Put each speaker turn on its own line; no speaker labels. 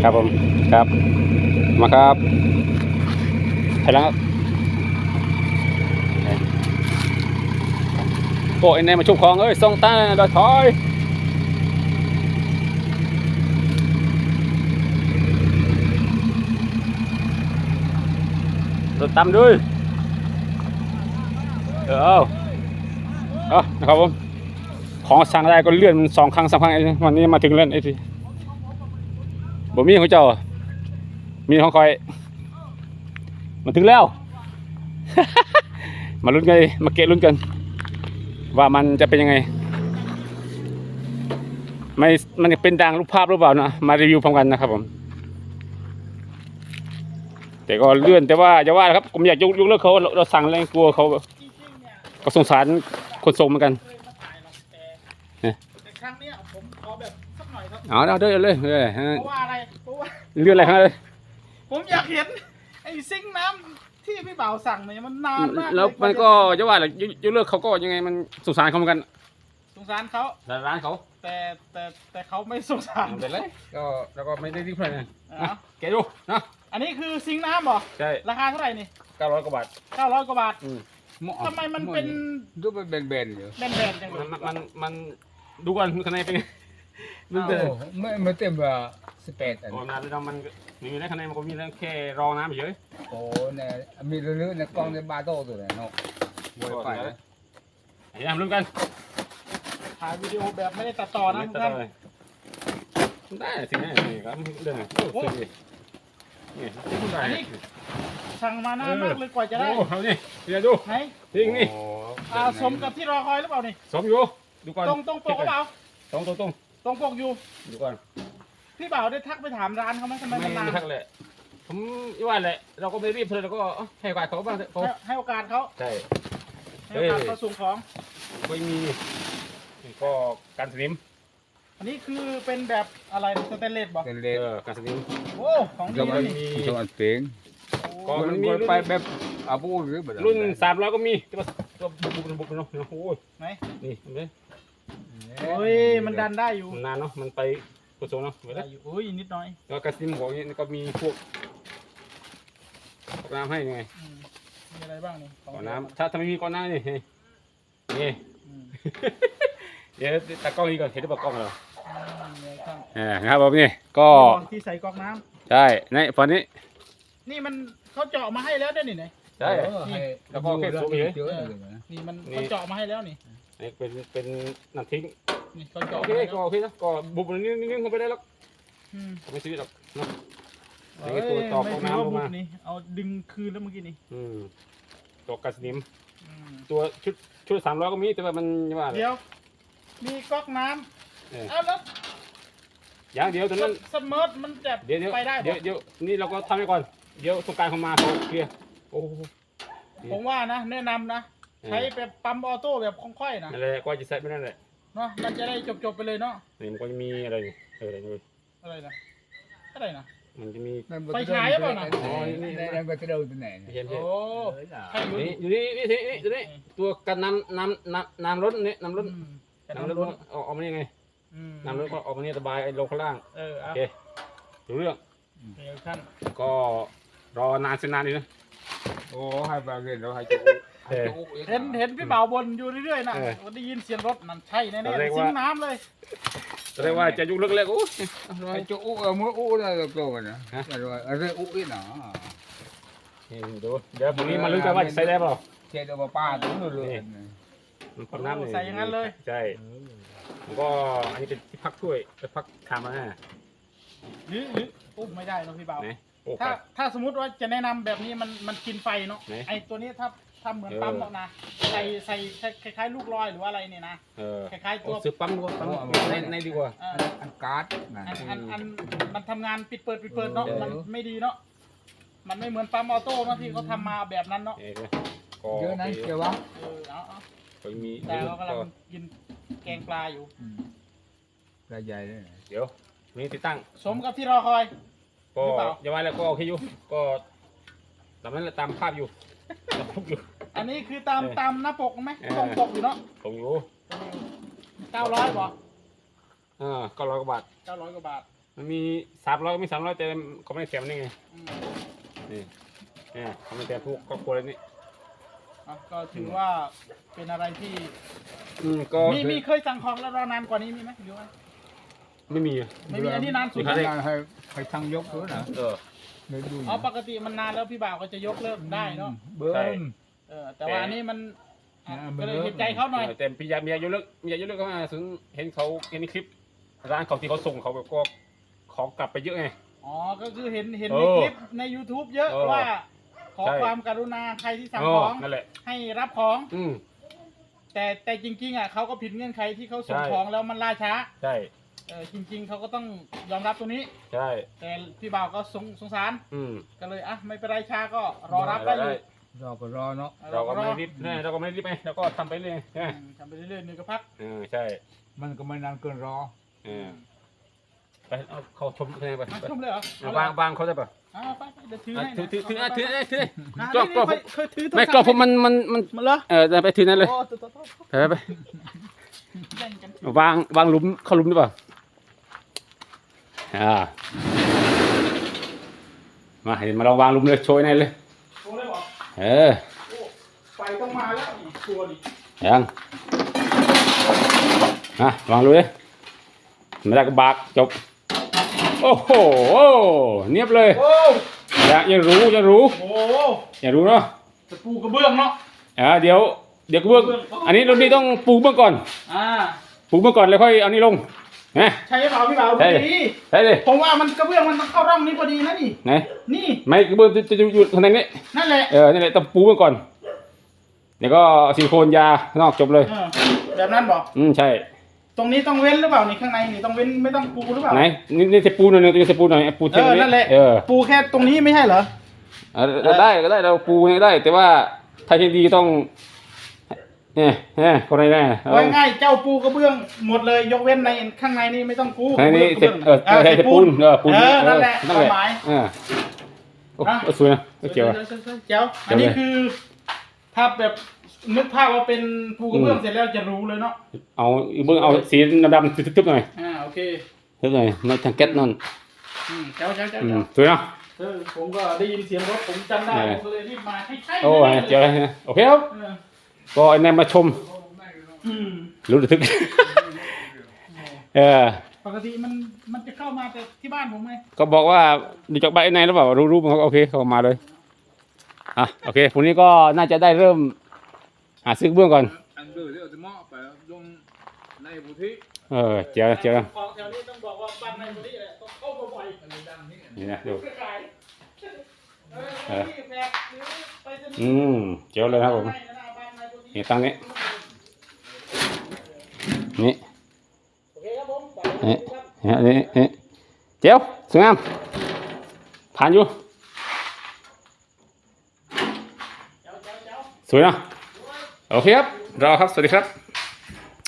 ครับผมครับมาครับไปแล้วครับโอ้ยในมาชุบของเอ้ยส่งตาดอยถอยรถตามด้วยนะครับผมของสั่งได้ก็เลื่อนมัน2 ครั้ง 3 ครั้งวันนี้มาถึงเล่นไอ้ทีบ่มีของเจ้ามีของคอยมาถึงแล้ว มาลุ้นกันมาเกะลุ้นกันว่ามันจะเป็นยังไงไม่มันจะเป็นดังรูปภาพหรือเปล่านะมารีวิวพร้อมกันนะครับผมแต่ก็เลื่อนแต่ว่าอย่าว่าครับผมอยากยกเลิกเขาเราสั่งอะไรกลัวเขาก็สงสารคนส่งเหมือนกัน
แต่ครั้งนี้ผมขอแบบสักหน่อยครับ
เอาเลย
เพราะว่าอะไรเพราะว่า
เลื่อนอะไรครับเลย
ผมอยากเห็นไอ้ซิงค์น้ำที่พี่บ่าวสั่งเนี่ยมันนานมาก
แล้วมันก็จะว่าอะไรยกเลิกเขาก็ยังไงมันสงสารเขาเหมือนกัน
สงสารเขา
ร้านเขา
แต่เขาไม่สงสาร
เป็นไรก็แล้วก็ไม่ได้รีบเลยนะแกดูนะ
อันนี้คือซิงค์น้ำเหรอ
ใช่
ราคาเท่าไหร่นี่
900 กว่าบาท
900 กว่าบาททำไมมันเป็น
ดูเป็นแบนๆอยู่
แบนๆจังเลย
มันดูก่อนข้างในเป็นไง
ไม่เต็มว่า18อัน
โอ้นานแล้วมันมีในข้างในมันก็มีแค่รองน้ำเฉย
โอ้เนี่ยมีเรื่องในกล้องในบาโต้ตัวเนี่ยเนาะไวไฟเลย
อย่าลุ้นกัน
ถ่ายวิดีโอแบบไม่ได้ตัดต่อนะท่าน
ได้สิเนี่ยนี่ครับเรื่องโอ้ยนี่
อันนี้สั่งมานานมากเลยกว่าจะได้
เอานี่เดี๋ยวดู
ไหน
ทิ้งนี่
สมกับที่รอคอยหรือเปล่านี่
สมอยู่ดูก่อน
ตรงปกหรือเปล่า
ตรง
ปกอยู่
ดูก่อน
พี่บ่าวได้ทักไปถามร้านเขาไหมทำไมมันนาน
ไม่ทักเลยผมว่าแหละเราก็ไม่รีบเลยเราก็ให้โอกาสเขาบ้าง
ให้โอกาสเขา
ใช่
ให้โอกาสเขาส่งของ
ไม่มีก็การสนิม
อันนี้คือเป็นแบบอะไรสแตนเลสบอก
สแตนเลส
การสนิม
โอ้ของดีเลย
นี่จังหวัดเสียง
ก็มันมี
ไปแบบอาบูหรือแบบ
รุ่น300ก็มีแต่ว่าก็บุบเนาะโอ้ย
ไหน
นี่เห็นไหม
โอ้ยมันดันได้อยู่
นานเนาะมันไปกระทรวงเนาะ
ได้อยู่โอ้ยนิดหน่อย
แล้วการสนิมของนี่ก็มีพวกน้ำให้ยังไง
มีอะไรบ้างนี่
ก้อนน้ำถ้าไม่มีก้อนน้ำนี่เดี๋ยวตัดกล้องนี้ก่อนเห็นหรือเปล่ากล้องเรานะครับผมนี่ก็
ที่ใส่ก๊อกน้
ำใช่ในฝั่งนี้
นี่มันเขาเจาะมาให้แล้วได้นี่ไหน
ใช่แล้วก็แค่สูงเฉย
นี่มันเขาเจาะมาให้แล้วนี่
นี่เป็นน้ำทิ้ง
นี่เขาเจาะ
โอเคนะก็บุบนิ่งเข้าไปได้แล้วไม่ชีวิตหรอกเนาะนี่ตัวต่อก๊อกน้ำลงมา
เอาดึงคืนแล้วเมื่อกี้นี่
ตัวกัสนิมตัวชุด300ก็มีแต่ว่ามันว่า
เดี๋ยวมีก๊อกน้ำเอาแล้ว
อย่างเดียวตอนนั้น
สมาร์ทมันจะไปได้
เดี๋ยวนี่เราก็ทำไปก่อนเดี๋ยวสงการเข้ามาเขาเคลียร์โอ้
ผมว่านะแนะนำนะใช้แบบปั๊มออโต้แบบคล่องๆนะ
อะไรก็จะใส่ไม่นั่นแหละ
เนาะมันจะได้จบไปเลยเนาะ
นี่มันก็จะมีอะไรอยู่
อะไรนะ
มันจะมี
ไฟฉายหรือเปล่านะ
อ๋อนี่นั่นก็จะเดินไปไหน
โอ้
อยู่นี่ตัวกันน้ำล้นนี่น้ำล้นออกมายังไงน้ำล้นก็ออกมาเนี่ยสบายลงข้างล่างโอเคดูเรื่องก็รอนานเสียนานดีนะ
โอ้ให้บางเรื่องเราให้จุ
เห็นพี่บ่าวบนอยู่เรื่อยๆนะได้ยินเสียงรถนั่นใช่แน่ๆซิงน้ำเลย
แสดงว่าจะยุ่งเล็กๆโอ้
ให้จุมือได้ก็กันนะอะไรนี่หนา
ดูเดี๋ยวพรุ่งนี้มาลุ้นกันว่าจะใส่ได้เปล่า
เช็ดเอาป้าตัวนู้นเลย
มันน้ำ
ใส่อย่างนั้นเลย
ใช่ก็อันนี้เป็นที่พักถ้วยจะพักคามา
หรือปุ๊บไม่ได้นะพี่บ่าวถ้าสมมติว่าจะแนะนำแบบนี้มันกินไฟเนาะไอตัวนี้ถ้าทำเหมือนปั๊มแล้วนะใส่คล้ายๆลูกลอยหรือว่าอะไรเนี่ยนะคล้ายๆตัว
ซื้อปั๊มดีกว่าในดีกว่า
อันการ์ด
อันมันทำงานปิดเปิดเนาะมันไม่ดีเนาะมันไม่เหมือนปั๊มออโต้เนาะที่เขาทำมาแบบนั้นเนาะ
เยอะนะเกี่ยววะ
แต่เรากำลังกินแกงปลาอยู่
ปลาใหญ่เลย
เดี๋ยวนี่ติดตั้ง
สมกับที่รอคอย
ก็อย่าว่าแล้วก็โอเคอยู่ก็ตามนั้นแหละตามภาพอยู่
อันนี้คือตามหน้าปกไหมตรงปกอยู่เนาะ
ตรงอยู่
900ป่ะ
900 กว่าบาท
900 กว่าบาท
มันมี300มี300แต่เขาไม่ได้แถมนี่ไงนี่เขาไม่แถมพวกครอบครัวอะไรนี่
ก็ถือว่าเป็นอะไรที่
ก็
มีเคยสั่งของแล้วรอนานกว่านี้มีไหมหรือว่า
ไม่มี
ไม่มีอันนี้นานสุด
ให้ช่างยกด้วยนะ
ปกติมันนานแล้วพี่บ่าวก็จะยกเลิกได้เนาะ
เบิ้ม
แต่ว่าอันนี้มันก็เลยเห็นใจเขาหน่อย
แต่พี่ยามีอายุเลิกเข้ามาถึงเห็นเขาเห็นในคลิปร้านเขาที่เขาส่งเขาแบบก็ของกลับไปเยอะไง
ก็คือเห็นในคลิปใน YouTube เยอะว่าขอความกรุณาใครที่สั่งของให้รับของแต่จริงๆเขาก็ผิดเงื่อนไขที่เขาส่งของแล้วมันล่าช้า
ใช่
จริงๆเขาก็ต้องยอมรับตรงนี้
ใช่
แต่พี่บ่าวก็สงสารก็เลยไม่เป็นไรช้าก็รอรับได้อยู่
รอก็รอเนาะ
เราก็ไม่รีบเราก็ไม่รีบไปเราก็ทำไปเรื่อย
ทำไปเรื่อยๆนึงก็พัก
ใช่
มันก็ไม่นานเกินรอ
ไปเอาเขาชมอะไรไป
ชมเลยเหรอ
วางเขาได้ป่ะ
ไปเดี๋ยวถือให้
ถือ
ก็
ไม่ก็ผมมัน
เหรอ
ไปถือนั่นเลยไปวางหลุมเข้าหลุมได้ป่ะมาเห็นมาลองวางหลุมเลยโชยในเลย
โชยเลยเหรอไฟต้องมาแล้วตัวดิ
ยังวางเลยไม่ได้ก็บากจบโอ้โหเนียบเลยยังรู้อยากรู้เนาะ
จะปูกระเบื้องเนาะ
เดี๋ยวกระเบื้องอันนี้เรานี่ต้องปูเบื้องก่อนปูเบื้องก่อนแล้วค่อยเอานี่ลง
ใช่เปล่าพี่บ่าวพอดี
ใช่เลย
ผมว่ามันกระเบื้องมันต้องเข้าร่องนี้พอดีนะนี่นี่
ไม่กระเบื้องจะอยู่ข้างในนี้
นั่นแหละ
นี่แหละต้องปูเบื้องก่อนเดี๋ยวก็ซิลิโคนยานอกจบเลย
แบบนั้นบอก
ใช่
ตรงนี้ต้องเว้นหรือเปล่านี่ข้างในนี่ต้องเว้นไม่ต้องปูหรือเปล่า
ไหนนี่จะปูหน่อยนึงจะปูหน่อยปูเทียมนี้
นั่นแหละปูแค่ตรงนี้ไม่ใช่เหรอ
ได้เราปูได้แต่ว่าถ้าที่ดีต้องคนไหนแน่
ง่ายเจ้าปูกระเบื้องหมดเลยยกเว้นในข้างในนี่ไม่ต้องปู
ในนี้เสร็จปูน
นั่นแหละความหมาย
สวยนะเจ๋ว
อันนี้คือถ้าแบบนึกภาพว่าเป็นปูกระเบื้องเสร็จแล้วจะรู้เลยเนาะ
เอาเบื้องเอาสีดำทึบๆหน่อย
โอเค
ทึบหน่อยในทางแก๊สนั่น
เจ้า
สวยเนาะ
ผมก็ได้ยินเสียงรถผมจำได้ผมก็เลยรีบมาให้ใช่
โอ้ยเจ๋วเลยโอเคครับก็ไอ้นายมาชมรู้ทึก
ปกติมันจะเข้ามาแต่ที่บ้านผมไง
ก็บอกว่าดูจากใบไอ้นายหรือเปล่ารู้มันเขาโอเคเขามาเลยโอเคพรุ่งนี้ก็น่าจะได้เริ่มหาซื้อเบื้องก่อนเจ๋ว
ของแถวนี้ต้องบอกว่าบ้านในบุรีต้องเข้ามาบ่อย
นี่นะดูเจ๋วเลยครับผมนี่ตั้งนี้นี่เจ๋วสวยงามผ่านอยู่สวยนะโอเคครับรอครับสวัสดีครับ